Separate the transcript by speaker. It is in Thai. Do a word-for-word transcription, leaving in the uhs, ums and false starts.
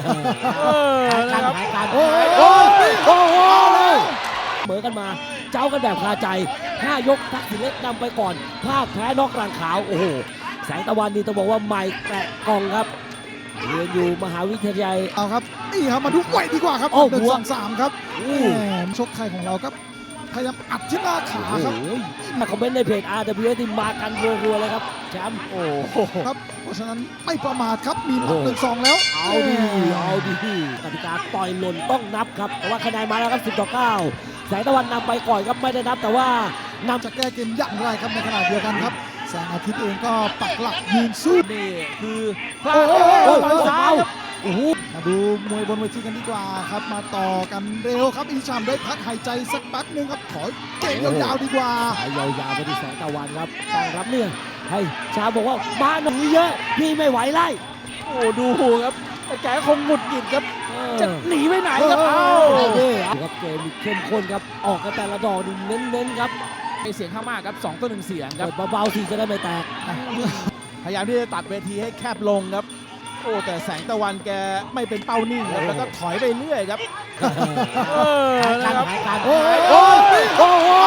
Speaker 1: เออนะครับ
Speaker 2: โอ้ยโอ้ยโอ้โหเหมือนกันมาเจ้ากันแบบคาใจห้ายกทักษิณเล็กนำไปก่อนพลาดแพ้นอกรังขาวโอ้โหแสงตะวันนี่ต้องบอกว่าใหม่แกะกล่องครับเรียนอยู่มหาวิทยาลัย
Speaker 3: เอาครับนี่ครับมาดูไวดีกว่าครับ
Speaker 2: โอ้
Speaker 3: หนึ่ง
Speaker 2: หัว
Speaker 3: สองสามครับแหมชกไทยของเราครับพยายามอัดที่หน้าขาครับ
Speaker 2: มาคอมเมนต์ในเพจ อาร์ ดับเบิลยู เอส ที่มากันรัวๆเลยครับแชมป์โอ้โห
Speaker 3: ครับเพราะฉะนั้นไม่ประมาทครับมีนับ
Speaker 2: โอ้
Speaker 3: หนึ่งสองแล้ว
Speaker 2: เอาดีเอาดีกติกาต่อยหล่นต้องนับครับแต่ว่าคะแนนมาแล้วครับสิบต่อเก้าแสงตะวันนำไปก่อนครับไม่ได้นับแต่ว่านำ
Speaker 3: จะแก้เกมอย่างไรครับในขณะเดียวกันครับแสงอาทิตย์เองก็ปักหลักยืนสู้
Speaker 1: นี่คือพลาด
Speaker 2: โอ้โห
Speaker 1: โอ้
Speaker 2: โอ้
Speaker 1: ย
Speaker 2: โห
Speaker 1: ซ้ายครับ
Speaker 2: โอ้โห
Speaker 3: มาดูมวยบนเวทีกันดีกว่าครับมาต่อกันเร็วครับอีชามได้พักหายใจสักแป๊บนึงครับขอเกมยาวๆดีกว่า
Speaker 2: สายยาวๆไปที่แสงตะวันครับตั้งรับเนี่ยให้ชาบอกว่ามาหนีเยอะพี่ไม่ไหวไล่
Speaker 1: โอ้ดูครับแต่แกคงหงุดหงิดครับ
Speaker 2: เออ
Speaker 1: จะหนีไปไหนครับเอ้า
Speaker 2: เอาดิครับเกมเข้มข้นครับออกกันแต่ละดอกนี่เน้นๆครับ
Speaker 1: เสียงข้างมากครับสองต่อหนึ่งเสียงครับ
Speaker 2: เปิดเบาๆสิจะได้ไม่แตก
Speaker 1: พยายามที่จะตัดเวทีให้แคบลงครับโอ้แต่แสงตะวันแกไม่เป็นเป้านิ่งครับแล้วก็ถอยไปเรื่อยครับเออนะครับ
Speaker 2: หายการโอ้ยโอ้ยโอ้โห